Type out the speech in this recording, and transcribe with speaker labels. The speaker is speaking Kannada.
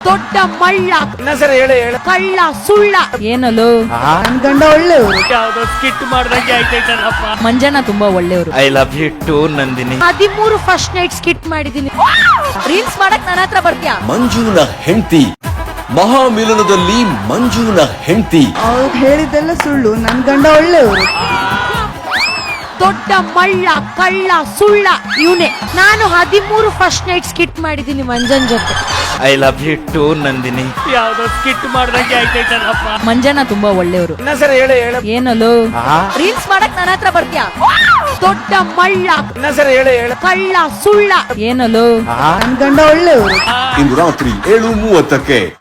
Speaker 1: ದೊಡ್ಡ ಮಳ್ಳ,
Speaker 2: ಸರಿ ಹೇಳು ಹೇಳು.
Speaker 1: ಕಳ್ಳ, ಸುಳ್ಳ.
Speaker 3: ಏನಲ್ಲೋ
Speaker 4: ನನ್ ಗಂಡ ಒಳ್ಳೆಯವರು.
Speaker 2: ಯಾವ್ದೋ ಸ್ಕಿಟ್ ಮಾಡ್ದಂಗೆ ಆಯ್ತೈತಲ್ಲಪ್ಪ.
Speaker 3: ಮಂಜನ ತುಂಬಾ ಒಳ್ಳೆಯವರು.
Speaker 2: I love you too Nandini.
Speaker 1: 13 first night skit ಮಾಡಿದೀನಿ.
Speaker 3: ರೀಲ್ಸ್ ಮಾಡಕ್ ನನ್ನ ಹತ್ರ ಬರ್ತೀಯಾ?
Speaker 5: ಮಂಜುನ ಹೆಂಡತಿ ಮಹಾಮಿಲನದಲ್ಲಿ ಮಂಜುನ ಹೆಂಡತಿ.
Speaker 4: ಅವ್ರು ಹೇಳಿದ್ದೆಲ್ಲ ಸುಳ್ಳು. ನನ್ ಗಂಡ ಒಳ್ಳೆಯವರು.
Speaker 1: ದೊಡ್ಡ ಮಳ್ಳ, ಕಳ್ಳ, ಸುಳ್ಳ ಇವನೇ. ನಾನು 13 ಫಸ್ಟ್ ನೈಟ್ ಸ್ಕಿಟ್ ಮಾಡಿದೀನಿ ಮಂಜನ್ ಜೊತೆ.
Speaker 2: I love you too Nandini. ಯಾವ್ದೋ ಸ್ಕಿಟ್ ಮಾಡ್ದಂಗೆ ಆಯ್ತೈತಲ್ಲಪ್ಪ.
Speaker 3: ಮಂಜನ ತುಂಬಾ ಒಳ್ಳೆಯವರು.
Speaker 2: ಸರಿ ಹೇಳು ಹೇಳು.
Speaker 3: ಏನಲ್ಲೋ ರೀಲ್ಸ್ ಮಾಡಕ್ ನನ್ನ ಹತ್ರ ಬರ್ತೀಯಾ?
Speaker 1: ದೊಡ್ಡ ಮಳ್ಳ,
Speaker 2: ಸರಿ ಹೇಳು ಹೇಳು.
Speaker 1: ಕಳ್ಳ, ಸುಳ್ಳ.
Speaker 3: ಏನಲ್ಲೋ
Speaker 4: ನನ್ ಗಂಡ ಒಳ್ಳೆಯವರು.
Speaker 5: ಇಂದು ರಾತ್ರಿ 7:30ಕ್ಕೆ